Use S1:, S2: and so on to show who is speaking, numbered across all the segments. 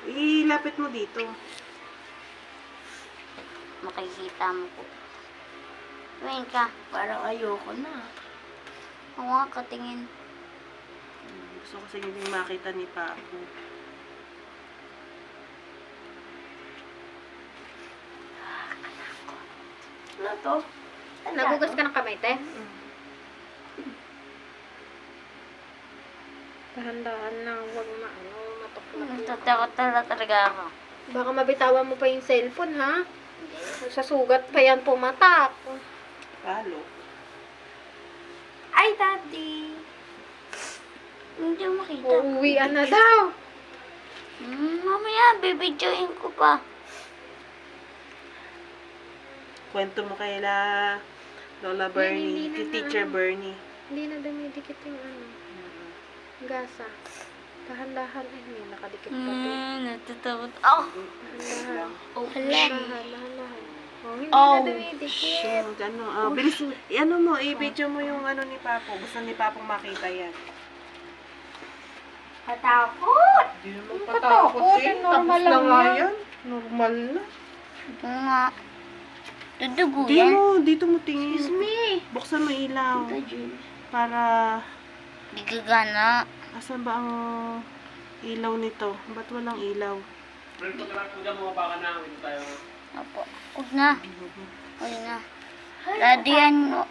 S1: Ilapit mo dito.
S2: Makikita mo po. Tumingin ka.
S3: Parang ayoko na.
S2: Oo nga, katingin.
S1: Gusto ko sa inyo din makita ni Papo.
S3: Ano to?
S4: Nagugas ka ng kamay, te? Dahan-dahan lang, huwag matuklap.
S2: Natatakot talaga ako.
S4: Baka mabitawan mo pa yung cellphone, ha? Sa sugat pa yan pumatak.
S1: Palo.
S3: Ay, Daddy!
S2: Hindi mo makita.
S4: Uuwian na daw.
S2: Mamaya, bibidyoin ko pa.
S1: Kwento mo kay Lola Bernie,
S4: hindi
S1: kay
S4: na
S1: Teacher Bernie.
S4: Hindi na dumidikit yung gasa. Dahan-dahan. Ay, may nakadikit pa to.
S2: Natatakot. Oh!
S4: Dahan-dahan.
S3: Oh,
S4: Dahan-dahan. Oh, hindi
S3: Oh,
S4: na dumidikit.
S1: Shoot, bilis mo. Ano mo, i-video mo yung ano ni Papo. Gusto ni Papong makita yan.
S3: Katakot!
S1: Hindi naman
S4: patakot eh. Normal
S1: Tapos na
S4: lang
S1: nga
S4: yan.
S1: yan. Normal na.
S2: Ito nga. Dudugo
S1: Di
S2: yan.
S1: mo, dito mo tingin.
S3: Excuse me!
S1: Buksan mo ilaw.
S3: Tita Jill.
S1: Para,
S2: Di gagana.
S1: asan ba ang ilaw nito? Ba't walang ilaw?
S2: Opo. Huwag na. Huwag na. Daddy, ano?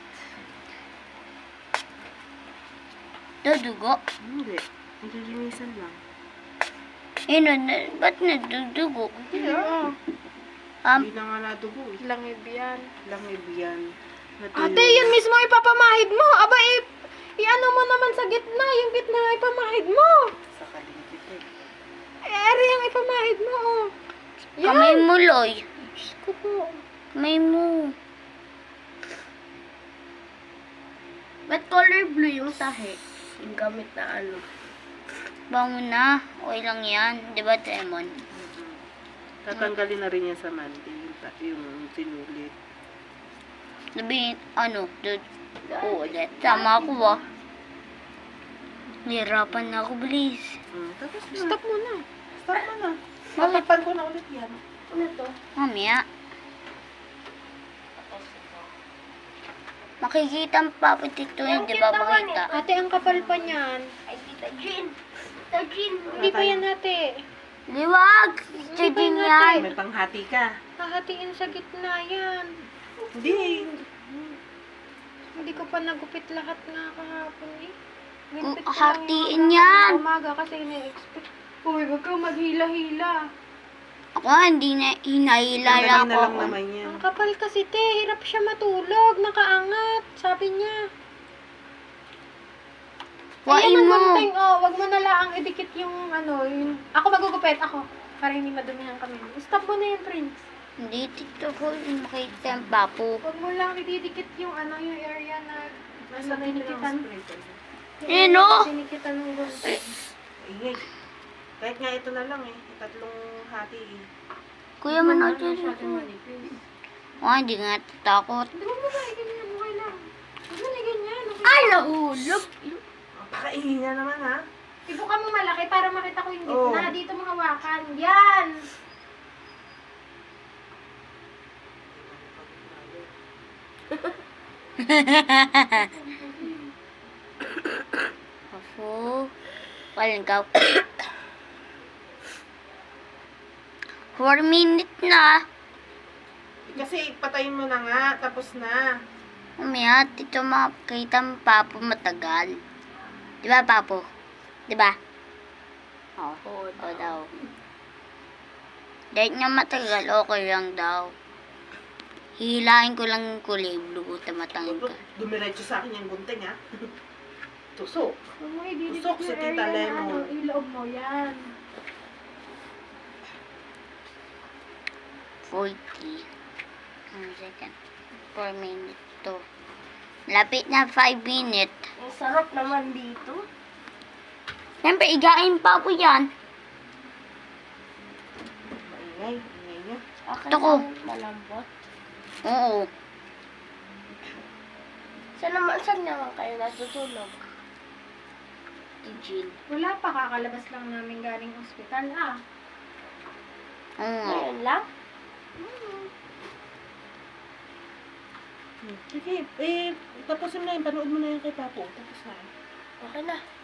S2: Dudugo.
S1: Hindi. Nililinisan lang.
S2: Ba't nadudugo?
S1: Yeah.
S2: Um,
S1: Hindi na nga nadugo eh.
S4: Langib yan.
S1: Langib yan.
S4: Ate, yan mismo ipapamahid mo. Aba, i-ano mo naman sa gitna. Yung gitna nga ipamahid mo.
S1: Sa kaligit eh.
S4: Ari ang ipamahid mo, oh.
S2: kamay mo, Loy.
S4: Diyos ko po.
S2: Kamay mo.
S3: Ba't color blue yung tahe? Yung gamit na ano.
S2: Bango na. Okay lang yan. Di ba, Tremon?
S1: Tatanggalin na rin yan sa mandi. Yung sinulit.
S2: Sabihin, ano? Ulit. Tama ako ba? Nahirapan na ako, bilis.
S1: Tapos na.
S4: Stop mo na.
S1: Stop mo na. Malipan ko na ulit yan.
S3: Ano to?
S2: Mamaya. Makikita ang papatito yun, di ba makita?
S4: Ate, ang kapal pa niyan.
S3: Ay, Tita Jean! Tita Jean!
S4: Hindi pa yan, ate.
S2: Liwag! Ito
S4: ba
S2: din
S4: yun,
S2: yan.
S1: May panghati ka.
S4: Hahatiin sa gitna yan.
S1: Hindi.
S4: Hindi ko pa nagupit lahat nga kahapon eh.
S2: Kung
S4: Ginupit ko lang
S2: hahatiin
S4: yung
S2: yan.
S4: umaga kasi ina-expect. Uy, wag kang maghila-hila.
S2: Ako hindi na hinahilala
S1: Sandali na
S2: ko.
S1: lang naman yan.
S4: Ang kapal kasi te, hirap siya matulog, nakaangat, sabi niya.
S2: Wain
S4: Ayan ang
S2: mo.
S4: gunting, oh, wag mo na lang idikit yung ano, yung... Ako magugupit, ako. Para hindi madumihan kami. Stop mo na yan, Prince.
S2: Hindi, tito ko. Makita ang papo.
S4: Wag mo lang ididikit yung ano, yung area na nasa dinikitan.
S2: Ano?
S4: Dinikitan ng gunting.
S1: Ingay. Kahit nga ito na lang eh. Tatlong hati eh.
S2: Kuya, manood yun. Hindi nga tatakot.
S4: Hindi mo ba ganyan, okay lang. Huwag mo na ganyan. Okay.
S3: Ay, nahulog!
S1: Pakaingay na naman ha.
S4: Ibuka mo malaki para makita ko yung
S1: Oh.
S4: gitna. Dito mo hawakan. Yan!
S2: Ako. Walang ka. 4 minutes na.
S1: Kasi patayin mo na nga. Tapos na.
S2: Mamaya, tito makita ang papo matagal. Di ba, papo? Di ba? Oo. Oo daw. Dahil nga matagal, okay lang daw. Hihilain ko lang yung kulay blue. Tamatangin ka.
S1: Dumiretso sa akin yung gunting ha. Tusok.
S4: Huwag mo ididikit
S1: Usok si
S4: yung
S1: Tita
S4: area na
S1: Lemon.
S4: ano, iloob mo. Yan.
S2: 40. Second. 4 minutes to. Lapit na 5 minutes.
S3: Ang sarap naman dito.
S2: Siyempre, igain pa ako yan.
S1: Maingay. Ingay niya.
S3: Okay
S2: Ito ko.
S3: lang, malambot.
S2: Oo.
S3: Saan naman kayo natutulog? Di Jean.
S4: Wala pa, kakalabas lang namin galing ospital.
S2: nga.
S3: Ngayon lang.
S1: Sige, tapusin mo na yun. Panood mo na yun kay Papo. Tapos na.
S3: Okay na.